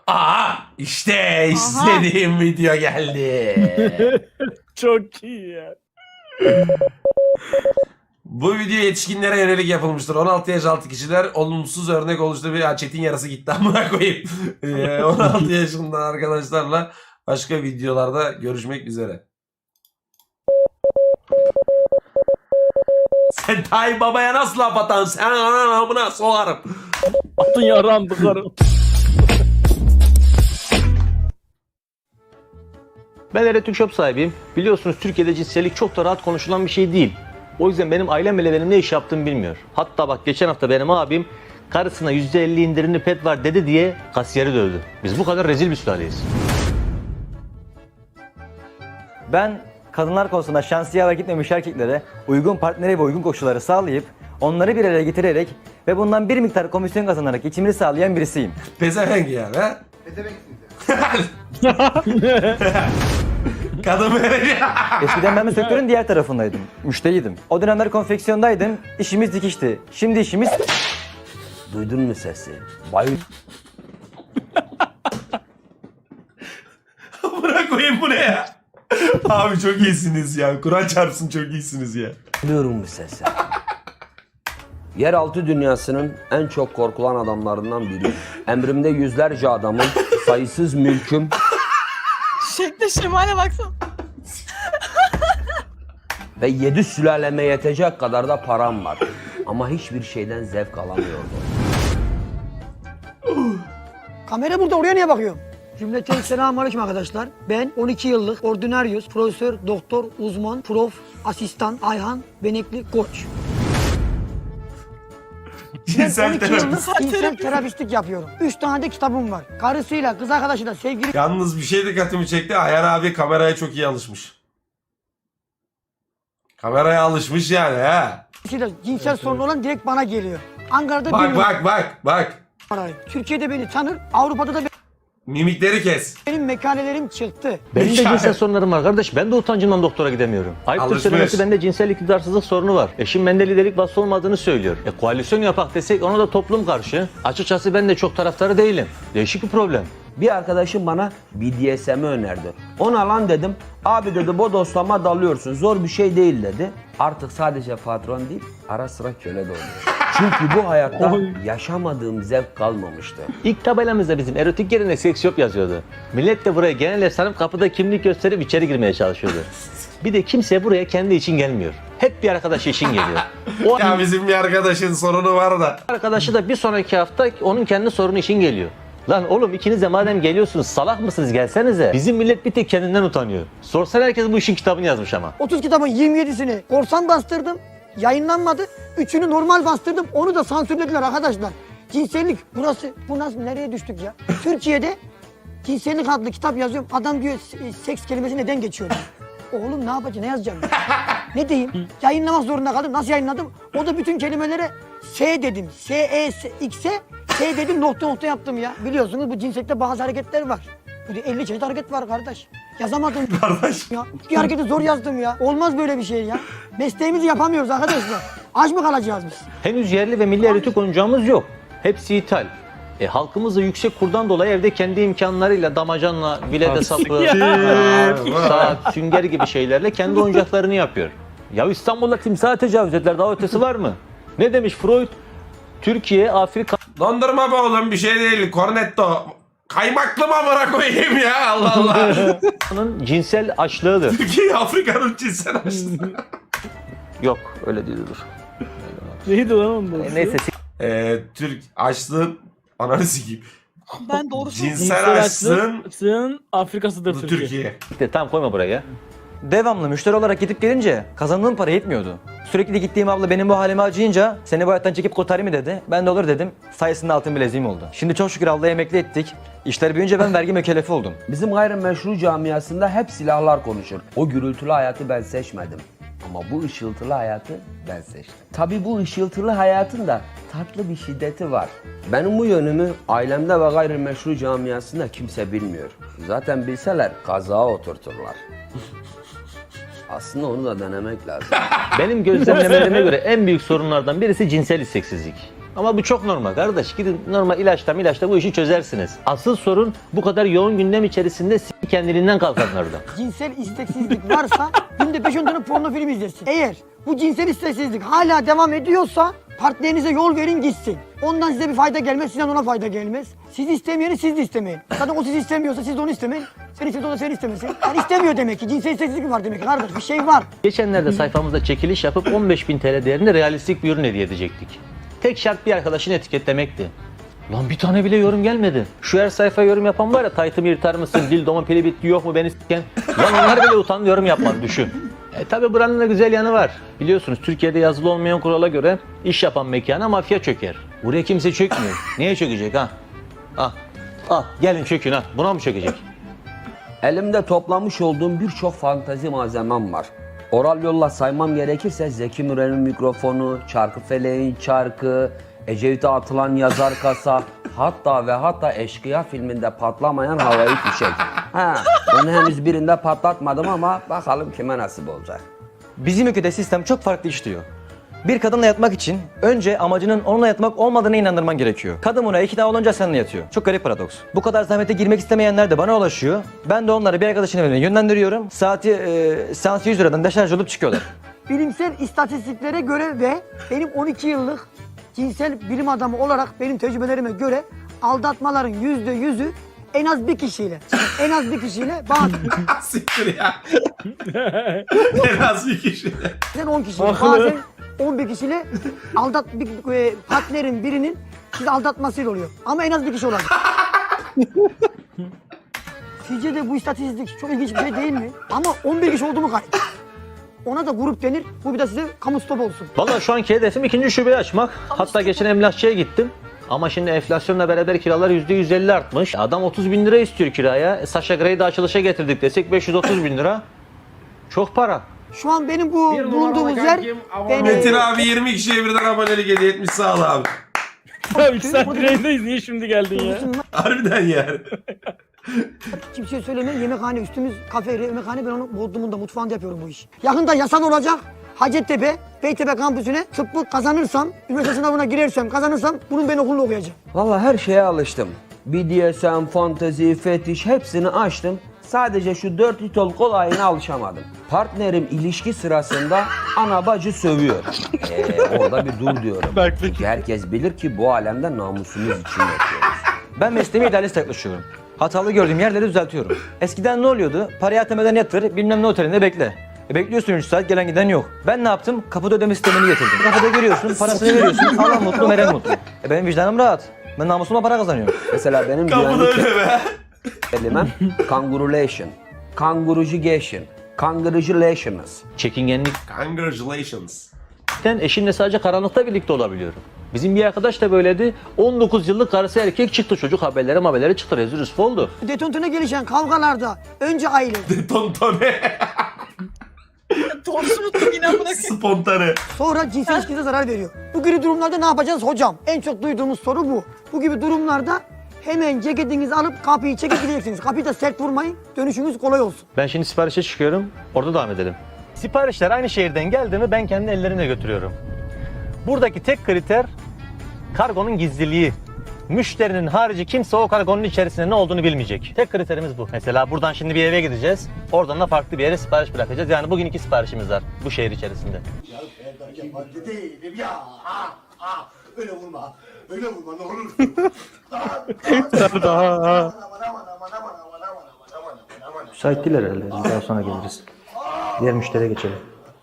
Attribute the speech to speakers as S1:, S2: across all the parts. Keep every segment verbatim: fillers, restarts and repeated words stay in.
S1: Aa işte istediğim video geldi.
S2: Çok iyi ya.
S1: Bu video yetişkinlere yönelik yapılmıştır. on altı yaş altı kişiler olumsuz örnek oluştu. Bir Çetin yarası gitti amına koyayım. Ee, on altı yaşından arkadaşlarla başka videolarda görüşmek üzere. Sen Tayyip Baba'ya nasıl laf atansın? Sen anan amına soğarım.
S2: Atın yaram tıkarım.
S3: Ben Eretük Shop sahibiyim. Biliyorsunuz Türkiye'de cinsellik çok da rahat konuşulan bir şey değil. O yüzden benim ailem bile benim ne iş yaptığımı bilmiyor. Hatta bak geçen hafta benim abim karısına yüzde elli indirimli pet var dedi diye kasiyeri dövdü. Biz bu kadar rezil bir sülaleyiz.
S4: Ben kadınlar konusunda şansı yaver gitmemiş erkeklere uygun partneri ve uygun koşulları sağlayıp onları bir araya getirerek ve bundan bir miktar komisyon kazanarak geçimini sağlayan birisiyim.
S1: Pezevenk yani ha? Kadın böyle.
S4: Eskiden ben de sektörün diğer tarafındaydım. Müşteriydim. O dönemler konfeksiyondaydım. İşimiz dikişti. Şimdi işimiz...
S5: Duydun mu sesi? Bayıl.
S1: Bırak koyayım bu ne ya? Abi çok iyisiniz ya. Kur'an çarpsın çok iyisiniz ya.
S5: Duyuyorum bu sesi. Yeraltı dünyasının en çok korkulan adamlarından biriyim. Emrimde yüzlerce adamın, sayısız mülküm
S6: Şekle şemale baksana.
S5: ve yedi sülaleme yetecek kadar da param var. Ama hiçbir şeyden zevk alamıyordum.
S7: Kamera burada, oraya niye bakıyorum? Cümleten selamünaleyküm arkadaşlar. Ben on iki yıllık ordinaryus, profesör, doktor, uzman, prof, asistan, Ayhan, Benekli, koç. Ben
S1: Cinsel
S7: on iki
S1: terapist.
S7: yıllık cinsel terapistlik yapıyorum. üç tane de kitabım var. Karısıyla, kız arkadaşıyla, sevgili
S1: Yalnız bir şey dikkatimi çekti. Ayar abi kameraya çok iyi alışmış. Kameraya alışmış yani ha.
S7: karısıyla cinsel sorunu olan direkt bana geliyor. Ankara'da
S1: Bak
S7: bir
S1: bak bak bak.
S7: numarayım. Türkiye'de beni tanır, Avrupa'da da
S1: Mimikleri kes.
S7: benim mekalelerim çıktı.
S3: Benim de
S1: Hikaye.
S3: cinsel sorunlarım var kardeş. Ben de utancımdan doktora gidemiyorum. Ayıptır
S1: Alışmış.
S3: söylemesi bende cinsel iktidarsızlık sorunu var. Eşim bende liderlik vasfı olmadığını söylüyor. E koalisyon yapak desek ona da toplum karşı. Açıkçası ben de çok taraftarı değilim. Değişik bir problem.
S5: Bir arkadaşım bana B D S M'i önerdi. Ona lan dedim. Abi dedi bodoslama dalıyorsun. Zor bir şey değil dedi. Artık sadece patron değil, ara sıra köle de oluyor. Çünkü bu hayatta yaşamadığım zevk kalmamıştı.
S3: İlk tabelamızda bizim erotik yerine seks shop yazıyordu. Millet de buraya genel sanıp kapıda kimlik gösterip içeri girmeye çalışıyordu. Bir de kimse buraya kendi için gelmiyor. Hep bir arkadaşı için geliyor. O
S1: Ya bizim bir arkadaşın sorunu var da.
S3: arkadaşı da bir sonraki hafta onun kendi sorunu için geliyor. Lan oğlum ikiniz de madem geliyorsunuz salak mısınız gelsenize. Bizim millet bir tek kendinden utanıyor. Sorsan herkes bu işin kitabını yazmış ama.
S7: otuz kitabın yirmi yedisini korsan bastırdım. Yayınlanmadı. Üçünü normal bastırdım. Onu da sansürlediler arkadaşlar. Cinsellik burası. Bu nasıl, nereye düştük ya? Türkiye'de cinsellik adlı kitap yazıyorum. Adam diyor "Se- seks kelimesi neden geçiyor?" Oğlum ne yapacağım? Ne yazacağım? ben? Ne diyeyim? Yayınlamak zorunda kaldım. Nasıl yayınladım? O da bütün kelimelere S dedim. S, E, S, X'e S dedim, nokta nokta yaptım ya. Biliyorsunuz bu cinsellikte bazı hareketler var. Bu elli çeşit hareket var kardeş. Yazamadım.
S1: Kardeş.
S7: Ya, bir hareketi zor yazdım ya. Olmaz böyle bir şey ya. Mesleğimizi yapamıyoruz arkadaşlar. Aç mı kalacağız biz?
S3: Henüz yerli ve milli erotik oyuncağımız yok. Hepsi ithal. E, halkımız da yüksek kurdan dolayı evde kendi imkanlarıyla damacanla, bilede sapı, saat, sünger gibi şeylerle kendi oyuncaklarını yapıyor. Ya İstanbul'da timsaha tecavüz ettiler, daha ötesi var mı? Ne demiş Freud? Türkiye, Afrika,
S1: Dondurma be oğlum bir şey değil. Cornetto. Kaymaklı mı amına koyayım ya Allah Allah.
S3: Afrika'nın cinsel açlığıdır.
S1: Türkiye Afrika'nın cinsel açlığı.
S3: Yok öyle değil dur.
S2: Neydi lan onun
S3: E,
S2: doğrusu?
S3: neyse
S1: Ee, Türk açlığın ananı sikeyim.
S6: Ben doğru söylüyorum.
S1: Cinsel açlığın
S2: açlığın Afrika'sıdır Türkiye.
S1: Türkiye.
S3: siktir, tamam koyma buraya.
S4: Devamlı müşteri olarak gidip gelince kazandığım para yetmiyordu. Sürekli gittiğim abla benim bu halime acıyınca seni bu hayattan çekip kurtarayım mı dedi. Ben de olur dedim. Sayesinde altın bileziğim oldu. Şimdi çok şükür ablayı emekli ettik. İşler büyüyünce ben vergi mükellefi oldum.
S5: Bizim gayrimeşru camiasında hep silahlar konuşur. O gürültülü hayatı ben seçmedim. Ama bu ışıltılı hayatı ben seçtim. Tabii bu ışıltılı hayatın da tatlı bir şiddeti var. Benim bu yönümü ailemde ve gayrimeşru camiasında kimse bilmiyor. Zaten bilseler kazağa oturturlar. Aslında onu da denemek lazım.
S3: Benim gözlemlemelerime göre en büyük sorunlardan birisi cinsel isteksizlik. Ama bu çok normal kardeş. Gidin normal ilaçla ilaçla bu işi çözersiniz. Asıl sorun bu kadar yoğun gündem içerisinde s- kendiliğinden kalkanlarda.
S7: Cinsel isteksizlik varsa günde beş on tane porno film izlersin. Eğer bu cinsel isteksizlik hala devam ediyorsa partnerinize yol verin gitsin. Ondan size bir fayda gelmez, sizden ona fayda gelmez. Siz istemeyeni siz de istemeyin. Zaten o sizi istemiyorsa siz de onu istemeyin. Sen istiyorsa o da seni istemesin. Yani istemiyor demek ki. Cinsel isteksizlik var demek ki kardeş. Bir şey var.
S3: Geçenlerde sayfamızda çekiliş yapıp on beş bin T L değerinde realistik bir ürün hediye edecektik. Tek şart bir arkadaşını etiketlemekti. Lan bir tane bile yorum gelmedi. Şu her sayfaya yorum yapan var ya, taytımı yırtar mısın, dildomun pili bitti, yok mu beni s**ken. Lan onlar bile utandı yorum yapmadı, düşün. E tabi buranın da güzel yanı var. Biliyorsunuz Türkiye'de yazılı olmayan kurala göre iş yapan mekana mafya çöker. Buraya kimse çökmüyor. Niye çökecek ha? Ah, ah gelin çökün ha. Buna mı çökecek?
S5: Elimde toplamış olduğum birçok fantazi malzemem var. Oral yolla saymam gerekirse Zeki Müren'in mikrofonu, Çarkıfeleğin çarkı, Ecevit'e atılan yazar kasa, hatta ve hatta Eşkıya filminde patlamayan havai fişek. Ha, onu henüz birinde patlatmadım ama bakalım kime nasip olacak.
S4: Bizim ülkede sistem çok farklı işliyor. Bir kadınla yatmak için önce amacının onunla yatmak olmadığını inandırman gerekiyor. Kadın buna ikna olunca seninle yatıyor. Çok garip paradoks. Bu kadar zahmete girmek istemeyenler de bana ulaşıyor. Ben de onları bir arkadaşın evine yönlendiriyorum. Saati e, seansı yüz liradan deşarj olup çıkıyorlar.
S7: Bilimsel istatistiklere göre ve benim on iki yıllık cinsel bilim adamı olarak benim tecrübelerime göre aldatmaların yüzde yüzü en az bir kişiyle, en az bir kişiyle bazen
S1: Siktir ya. En az bir kişi.
S7: on kişiyle, bazen on bir kişiyle aldat bir e, partnerin birinin sizi aldatmasıyla oluyor. Ama en az bir kişi olacak. Sizce de bu istatistik çok ilginç bir şey değil mi? Ama on bir kişi oldu mu kayıt. Ona da grup denir. Bu bir de size kamu stop olsun.
S3: Vallahi şu anki hedefim ikinci şubeyi açmak. Hatta geçen emlakçıya gittim. Ama şimdi enflasyonla beraber kiralar yüzde yüz elli artmış. Adam otuz bin lira istiyor kiraya. E, Sasha Grey'i de açılışa getirdik desek beş yüz otuz bin lira. Çok para.
S7: Şu an benim bu bulunduğumuz yer... Ben,
S1: Metin abi yirmi kişiye birden abonelik hediye etmiş, sağ ol abi.
S2: Ya üç saat yayındayız, niye şimdi geldin ya?
S1: Harbiden yani.
S7: Kimseye söyleme, yemekhane üstümüz kafe, yemekhane, ben onu Bodrum'un da mutfağında yapıyorum bu işi. Yakında yasal olacak. Hacettepe, Beytepe kampüsüne tıbbı kazanırsam, üniversite sınavına girersem, kazanırsam bunun ben okulunu okuyacağım.
S5: Vallahi her şeye alıştım. B D S M, fantezi, fetiş hepsini açtım. Sadece şu dört litol kolayına alışamadım. Partnerim ilişki sırasında ana bacı sövüyor. Ee, orada bir dur diyorum. Çünkü herkes bilir ki bu alemde namusumuz için yaşıyoruz.
S4: Ben mesleğime idealist yaklaşıyorum. Hatalı gördüğüm yerleri düzeltiyorum. Eskiden ne oluyordu? Parayı atamadan yatır, bilmem ne otelinde bekle. E bekliyorsun üç saat, gelen giden yok. Ben ne yaptım? Kapıda ödeme sistemini getirdim. Kapıda görüyorsun, parasını veriyorsun, alan mutlu, veren mutlu. E benim vicdanım rahat. Ben namusuma para kazanıyorum.
S5: Mesela benim
S1: Kapıda
S5: güvenlik
S1: öyle be.
S5: kelimem kangurulation, kangurucugation, kangurulations.
S3: Çekingenlikten
S1: Congratulations.
S3: eşimle sadece karanlıkta birlikte olabiliyorum. Bizim bir arkadaş da böyleydi. on dokuz yıllık karısı erkek çıktı, çocuk haberleri haberleri çıktı, rezil rüsva oldu.
S7: Detontuna gelişen kavgalarda önce aile,
S1: Tontone.
S6: Doğrusu unuttum yine amına koyayım.
S1: Spontane.
S7: sonra cinsel ilişkinize zarar veriyor. Bu gibi durumlarda ne yapacağız hocam? En çok duyduğumuz soru bu. Bu gibi durumlarda hemen ceketinizi alıp kapıyı çekip gideceksiniz. Kapıyı da sert vurmayın, dönüşünüz kolay olsun.
S3: Ben şimdi siparişe çıkıyorum, orada devam edelim. Siparişler aynı şehirden geldi mi ben kendi ellerimle götürüyorum. Buradaki tek kriter kargonun gizliliği. Müşterinin harici kimse o kargonun içerisinde ne olduğunu bilmeyecek. Tek kriterimiz bu. Mesela buradan şimdi bir eve gideceğiz. Oradan da farklı bir yere sipariş bırakacağız. Yani bugün iki siparişimiz var bu şehir içerisinde.
S8: Yabancı değilim ya. Ah, ah. Öyle vurma. Öyle vurma ne olur.
S3: Müsait değil herhalde. Daha sonra geliriz. Diğer müşteriye geçelim.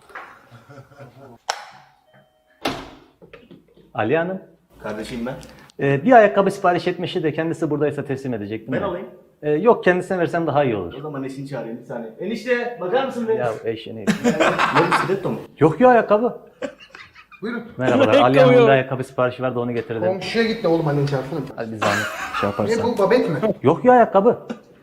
S3: Ali Hanım.
S8: Kardeşim ben.
S3: Ee, bir ayakkabı sipariş etmişti de kendisi buradaysa teslim edecektim.
S8: Ben
S3: ya.
S8: alayım.
S3: Ee, yok kendisine versem daha iyi olur.
S8: O zaman eşini çağırayım bir saniye. Enişte bakar mısın be?
S3: Ya eşeğini.
S8: Ne stiletto mu?
S3: Yok ya ayakkabı.
S8: Buyurun.
S3: Merhabalar.
S2: Ayakkabı
S3: Ali Hanım'ın
S2: yok.
S3: bir ayakkabı siparişi vardı onu getirelim.
S8: Komşuya git de oğlum annen çarpsana.
S3: Hadi bir zahmet şey
S8: Ne
S3: yaparsan.
S8: bu babet mi?
S3: Yok ya ayakkabı.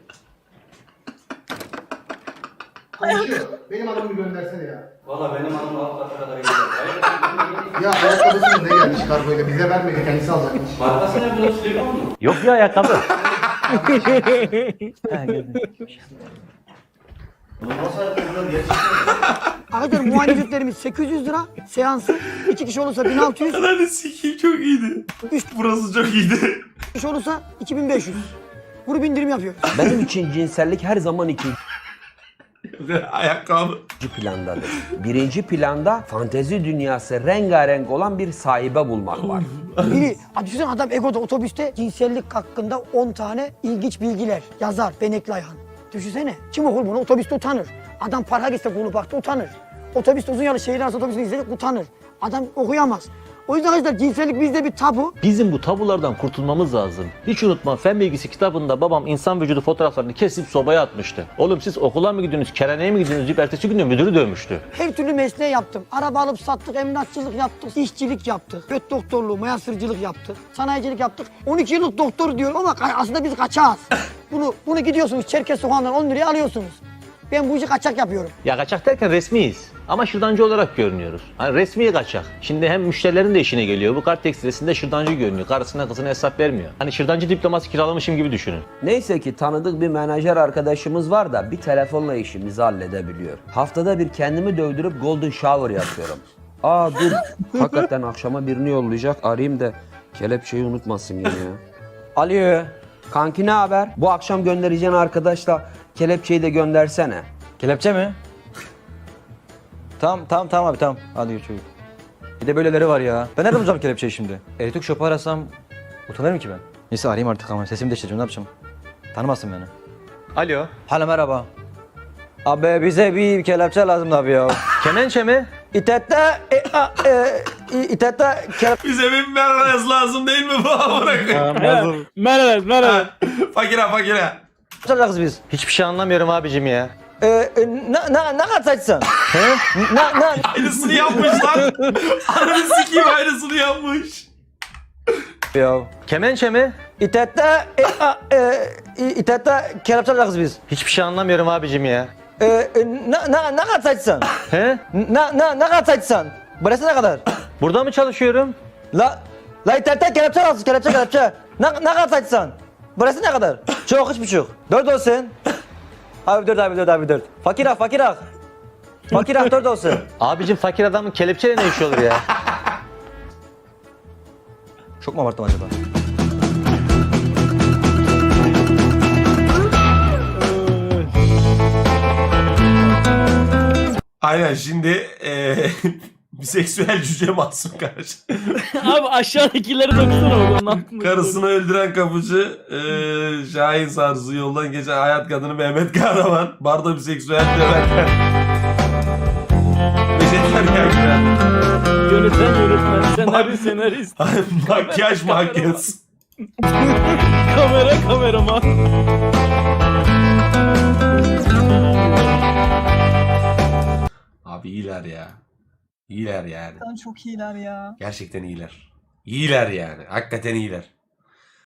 S8: Komşu benim adamımı göndersene ya. Valla benim adamım hafta kadar gidiyor. Ya ayakkabısını ne gelmiş kargoyla bize vermedi kendisi alacakmış.
S3: Yok ya ayakkabı. Ha, geldim.
S7: Arkadaşlar muayene ücretlerimiz sekiz yüz lira. Seansı iki kişi olursa bin altı yüz.
S1: Ananı sikeyim çok iyiydi.
S7: Üç
S1: Burası çok iyiydi.
S7: kişi olursa iki bin beş yüz. Bunu bindirim yapıyoruz.
S5: Benim için cinsellik her zaman ikinci
S1: Ayakkabı.
S5: plandadır. Birinci planda fantezi dünyası rengarenk olan bir sahibe bulmak var.
S7: Biri, düşünsene adam Ego'da otobüste cinsellik hakkında on tane ilginç bilgiler yazar Benekli Ayhan. Düşünsene. Kim okur bunu? Otobüste utanır. Adam parka gitse bunu baktı utanır. Otobüste uzun yolu şehir arası otobüsünü izledik utanır. Adam okuyamaz. O yüzden arkadaşlar cinsellik bizde bir tabu.
S3: Bizim bu tabulardan kurtulmamız lazım. Hiç unutma fen bilgisi kitabında babam insan vücudu fotoğraflarını kesip sobaya atmıştı. Oğlum siz okula mı gidiyorsunuz, kerhaneye mi gidiyorsunuz deyip ertesi gün de müdürü dövmüştü.
S7: Her türlü mesleği yaptım. Araba alıp sattık, emlakçılık yaptık, dişçilik yaptık, göt doktorluğu, mayasırcılık yaptık, sanayicilik yaptık. on iki yıllık doktor diyor ama ka- aslında biz kaçağız. bunu bunu gidiyorsunuz Çerkez sokağından on liraya alıyorsunuz. Ben bu işi kaçak yapıyorum.
S3: Ya kaçak derken resmiyiz. Ama şırdancı olarak görünüyoruz. Hani resmi kaçak. Şimdi hem müşterilerin de işine geliyor. Bu kart tekstilesinde şırdancı görünüyor. Karısına kızına hesap vermiyor. Hani şırdancı diploması kiralamışım gibi düşünün.
S5: Neyse ki tanıdık bir menajer arkadaşımız var da bir telefonla işimizi halledebiliyor. Haftada bir kendimi dövdürüp golden shower yapıyorum. Aa dur, hakikaten akşama birini yollayacak. Arayayım da kelepçeyi unutmasın yine ya. Alo. Kanki ne haber? Bu akşam göndereceğin arkadaşla kelepçeyi de göndersene.
S4: Kelepçe mi? Tamam tamam tamam abi tamam. Hadi gör çocuk. Bir de böyleleri var ya. Ben nereden bulacağım kelepçeyi şimdi? Elektrik şopu arasam utanırım ki ben. Neyse arayayım artık ama sesimi değiştireceğim ne yapacağım? Tanımazsın beni.
S3: Alo.
S4: Hala merhaba. Abi bize bir kelepçe lazım abi ya.
S3: Kemençe mi?
S4: İtette e, a, e, i- İtette kelepçe
S1: Bize bir merhaba lazım değil mi bu amına koyayım?
S2: Merhaba, merhaba.
S1: Fakire fakire.
S4: alacağız biz.
S3: Hiçbir şey anlamıyorum abicim ya.
S4: E, e, ne, ne, ne kadar saçsın? He? Ne, ne?
S1: Aynısını yapmış lan. Ananı sikeyim aynısını yapmış.
S4: Ya.
S3: Kemençe mi?
S4: İtette e, a, e, i- İtette kelepçe alacağız biz.
S3: Hiçbir şey anlamıyorum abicim ya.
S4: E, e, ne, ne, ne kadar saçsın?
S3: He?
S4: Ne, ne, ne kadar saçsın? Burası ne kadar?
S3: Burada mı çalışıyorum?
S4: La, la internette kelepçe alsın, kelepçe kelepçe. Ne, ne kadar saçsan? Burası ne kadar? Çok, üç buçuk. Dört olsun. Abi dört, abi dört, abi dört. Fakir ah, fakir ah. Fakir ah, dört olsun.
S3: Abicim fakir adamın kelepçeyle ne işi olur ya?
S4: Çok mu abarttım acaba?
S1: Aynen şimdi eee biseksüel cüce Mahsun karşı.
S2: Abi aşağıdakileri dokusana oğlum. Aklımda.
S1: Karısını öldüren kapıcı eee Şahin Sarzu yoldan geçen hayat kadını Mehmet Kahraman. Barda biseksüel döverken. Beşetler ya.
S2: Yöneten yönetmen, senaryo senarist,
S1: Makyaj makyaj.
S2: kamera kameraman.
S1: Abi iyiler ya. İyiler yani.
S6: Çok iyiler ya.
S1: Gerçekten iyiler. İyiler yani. Hakikaten iyiler.